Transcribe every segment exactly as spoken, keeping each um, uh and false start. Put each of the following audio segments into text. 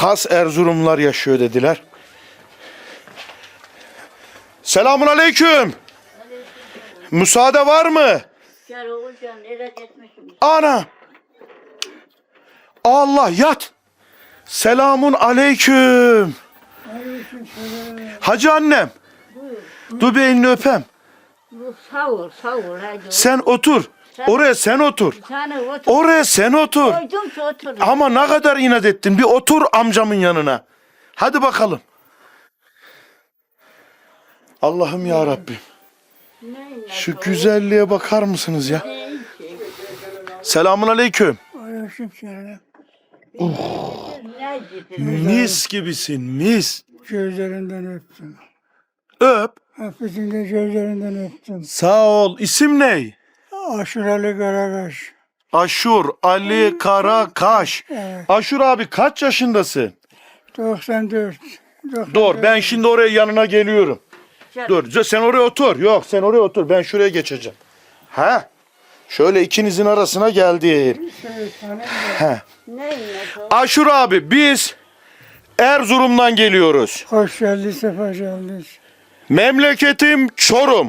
has Erzurumlular yaşıyor dediler. Selamun aleyküm. Müsaade var mı? Gel oğulcan, eve gitmişim. Ana. Allah yat. Selamun aleyküm. Hacı annem. Buyur. Dur bir elini öpem. Bu savur, savur hadi. Sen otur. Oraya sen otur. Sen otur. Oraya sen otur. Koydum ki otur. Ama ne kadar inat ettin. Bir otur amcamın yanına. Hadi bakalım. Allah'ım ya Rabbim. Neyle Şu koy- güzelliğe bakar mısınız ya? Neyin ki? Selamun aleyküm. Aleykümselam. Ne dedin? Mis gibisin mis. Gözlerinden öptüm. Öp. Hepsini de gözlerinden öptüm. Sağ ol. İsim ne? Aşuralı Karakaş. Aşur Ali Karakaş. Evet. Aşur abi kaç yaşındasın? doksan dört. doksan Dur dört. ben şimdi oraya yanına geliyorum. Gel. Dur sen oraya otur. Yok sen oraya otur. Ben şuraya geçeceğim. Ha? Şöyle ikinizin arasına geldim. Şeytanın da Ha. Neyle koy- Aşur abi biz Erzurum'dan geliyoruz. hoş geldin, sefa geldin. Memleketim Çorum.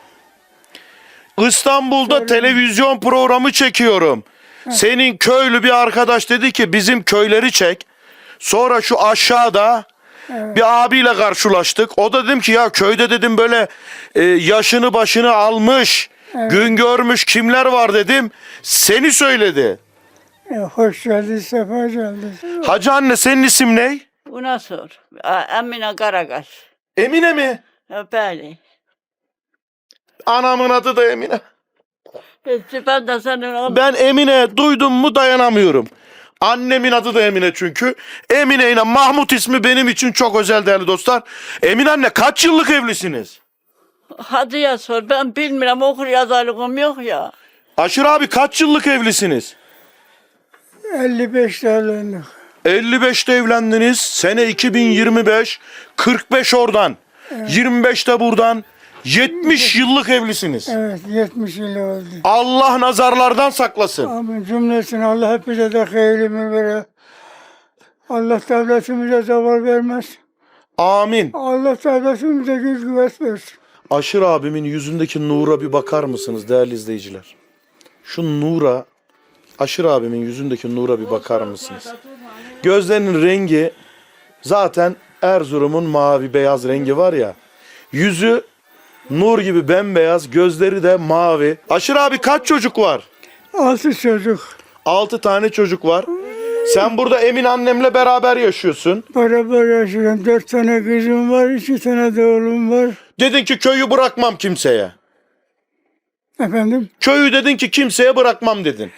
İstanbul'da Çorum. televizyon programı çekiyorum. Senin köylü bir arkadaş dedi ki bizim köyleri çek. Sonra şu aşağıda Evet. bir abiyle karşılaştık. O da dedim ki ya köyde dedim böyle e, yaşını başını almış, Evet. gün görmüş kimler var dedim. Seni söyledi. E, hoş geldin, sefa geldin. Hacı anne senin isim ne? Buna sor. A- Emine Karakaş. Emine mi? Öpeli. Anamın adı da Emine. Peki ben de senin oğlum. Ben Emine duydum mu dayanamıyorum. Annemin adı da Emine çünkü. Emine ile Mahmut ismi benim için çok özel değerli dostlar. Emine anne kaç yıllık evlisiniz? Hadi ya sor. Ben bilmiyorum, okur yazarlığım yok ya. Aşır abi kaç yıllık evlisiniz? elli beş evlendik. elli beşte evlendiniz. Sene iki bin yirmi beş. kırk beş oradan. yirmi beşte buradan. yetmiş yıllık evlisiniz. Evet, yetmiş yıl oldu. Allah nazarlardan saklasın. Amin cümlesine Allah hepimize de hayırlı verir. Allah devletimize zeval vermez. Amin. Allah devletimize güç kuvvet versin. Aşır abimin yüzündeki nura bir bakar mısınız değerli izleyiciler? Şu nura, Aşır abimin yüzündeki nura bir bakar mısınız? Gözlerinin rengi zaten Erzurum'un mavi beyaz rengi var ya. Yüzü nur gibi bembeyaz, gözleri de mavi. Aşır abi kaç çocuk var? Altı çocuk. Altı tane çocuk var. Sen burada Emin annemle beraber yaşıyorsun. Beraber yaşıyorum. Dört tane kızım var, iki tane de oğlum var. Dedin ki köyü bırakmam kimseye. Efendim? Köyü dedin ki kimseye bırakmam dedin.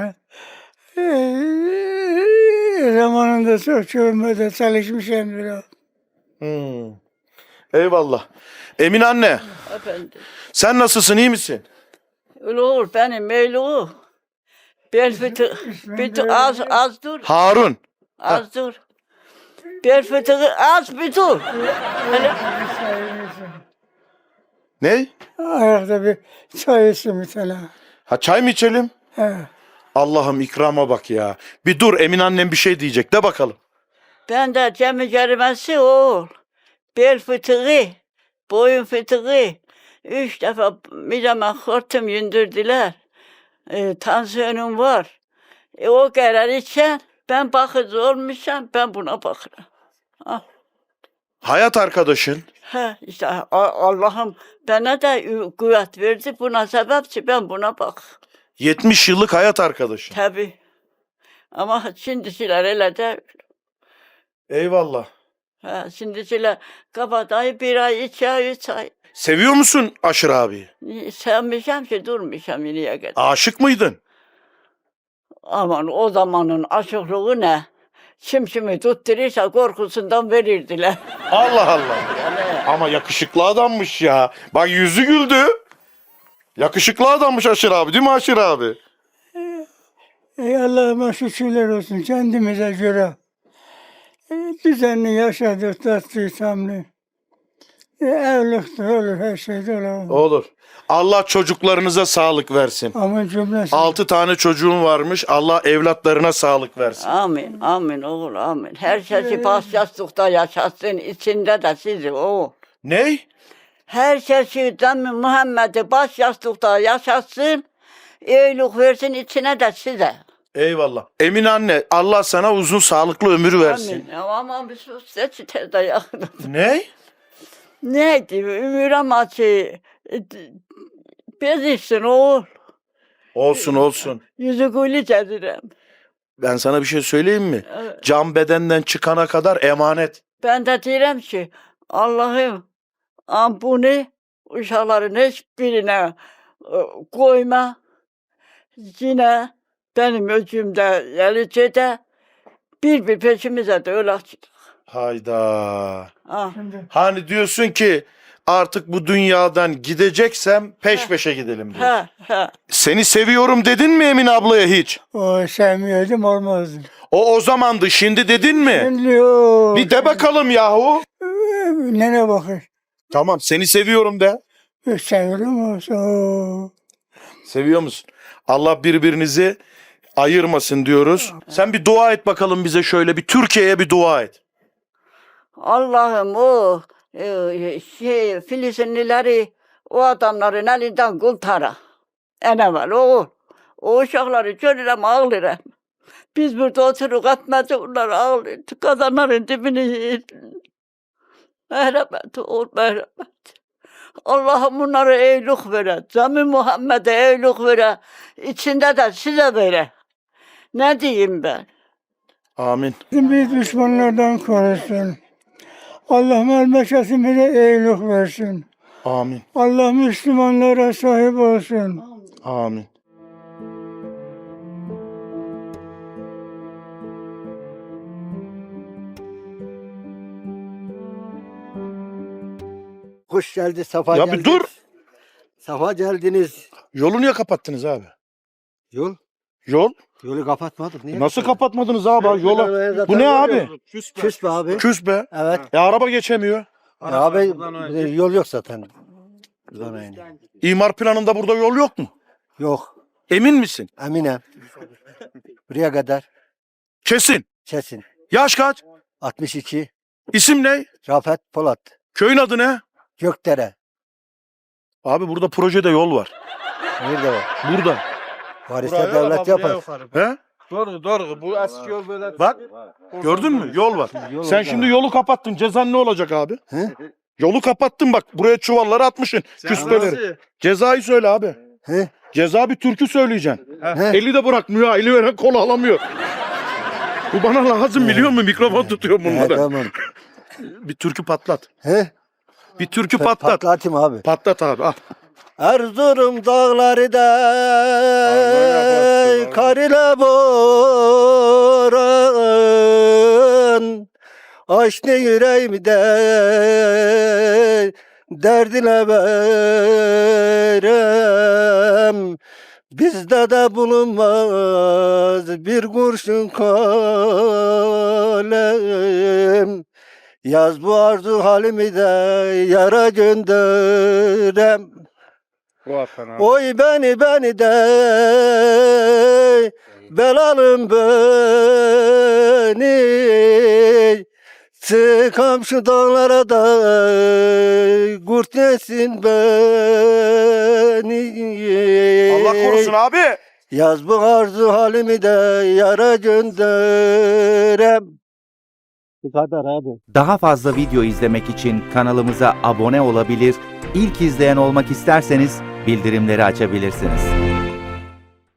Eee, zamanında çok çöğmede çalışmışım biraz. Hmm. Eyvallah. Emin anne, Efendim. sen nasılsın, iyi misin? Öyle olur benim öyle olur. Bel fıtığı. Bir dur, az az dur. Harun. Az dur. Bel fıtığı az bir dur. Hele. Ne? Ayakta bir çay içtim bir tane. Ha çay mı içelim? He. Allah'ım ikrama bak ya. Bir dur Emin annem bir şey diyecek de bakalım. Ben de cemi kerimesi oğul. Bel fıtığı, boyun fıtığı. Üç defa mideme hortum yündürdüler. E, tansiyonum var. E, o kadar içen ben bakıcı olmuşum, ben buna bakarım. Ah. Hayat arkadaşın. He, işte A- Allah'ım bana da ü- kuvvet verdi. Buna sebepçi ben buna bak. yetmiş yıllık hayat arkadaşın. Tabii. Ama şimdiciler öyle de. Eyvallah. He, şimdiciler kabadayı bir ay, iki ay, üç ay. Seviyor musun Aşır abi? Sevmişim ki durmuşum yine kadar. Aşık mıydın? Aman o zamanın aşıklığı ne? Çimşimi tutturursa korkusundan verirdiler. Allah Allah. Yani Ama yakışıklı adammış ya. Bak yüzü güldü. Yakışıklı adammış Aşır abi değil mi Aşır abi? Ey Allah'ıma şükürler olsun kendimize göre. E, düzenli yaşadık, tatlı, tamlı. E, evlilikte olur, her şeyde olur. Olur. Allah çocuklarınıza sağlık versin. Ama cümlesi. Altı tane çocuğun varmış. Allah evlatlarına sağlık versin. Amin, amin oğul, amin. Her şeyi baş yastıkta yaşasın, içinde de sizi oğul. Ney? Her şeyi Cami Muhammed'i baş yastıkta yaşasın, iyilik versin içine de size. Eyvallah. Emin anne, Allah sana uzun sağlıklı ömür versin. Amin. Ya aman bir sus, seçite de yakın. Ney? Neydi? Ömür amaçı. Bezirsin oğul. Olsun olsun. Yüzü gülü cedirem. Ben sana bir şey söyleyeyim mi? Evet. Can bedenden çıkana kadar emanet. Ben de diyorum ki Allah'ım am bunu uşakların hiçbirine e, koyma. Yine benim öcümde Yelice'de bir bir peşimize de öyle açtık. Hayda. Ah. Şimdi Hani diyorsun ki artık bu dünyadan gideceksem peş peşe gidelim diyor. He he. Seni seviyorum dedin mi Emine ablaya hiç? o sevmiyordum, olmazdı. O o zamandı, şimdi dedin mi? Şimdi yok. Bir de bakalım yahu. Nene bakır. Tamam, seni seviyorum de. Seviyorum olsa. Seviyor musun? Allah birbirinizi ayırmasın diyoruz. Sen bir dua et bakalım bize, şöyle bir Türkiye'ye bir dua et. Allah'ım o e, şey Filistinlileri o adamların elinden kurtara. En evvel o. O uşakları görürüm ağlarım. Biz burada oturup atmaca onlar ağlıyor. Kazanların dibini merhamet ol merhamet. Allah'ım bunlara iyilik vere. Cami Muhammed'e iyilik vere. İçinde de size vere. Ne diyeyim ben? Amin. Bizi düşmanlardan korusun. Allah memleketimize iyilik versin. Amin. Allah Müslümanlara sahip olsun. Amin. Hoş geldi, safa Ya geldiniz. bir dur. Safa geldiniz. Yolu niye kapattınız abi? Yol, Yol? yolu kapatmadık. Niye? Nasıl kapatmadınız abi? Yola. Bu ne abi? Küs be abi. Küs be. Evet. E araba geçemiyor. Ya abi e, yol yok zaten. Buradan aynı. İmar planında burada yol yok mu? Yok. Emin misin? Eminem. Buraya kadar Kesin. kesin. Yaş kaç? altmış iki. İsim ne? Rafet Polat. Köyün adı ne? Gökdere. Abi burada projede yol var. Nerede var? Burada. Variste devlet yapar. He? Doğru doğru. Bu eski yol böyle. Bak. Gördün mü? Yol var. Yol Sen orada. şimdi yolu kapattın. Cezan ne olacak abi? He? Yolu kapattın bak. Buraya çuvalları atmışsın. Küspeleri. Cezayı söyle abi. He? Ceza bir türkü söyleyeceksin. He? Eli de bırakmıyor. ha, Eli veren kolu alamıyor. Bu bana lazım biliyor musun? Mikrofon tutuyor He, bunlara. tamam. Bir türkü patlat. He? Bir türkü Pa- patlat. Patlatayım abi. Patlat abi. Al. Erzurum dağları da Allah kar ile boran açtı yüreğimde derdine verem bizde de bulunmaz bir kurşun kalem yaz bu arzu halimi de yara gönderem. Oy beni beni de belalım beni çıkam şu dağlara da kurt yesin beni. Allah korusun abi. Yaz bu arzu halimi de yara gönderem. Bu kadar abi. Daha fazla video izlemek için kanalımıza abone olabilir, ilk izleyen olmak isterseniz bildirimleri açabilirsiniz.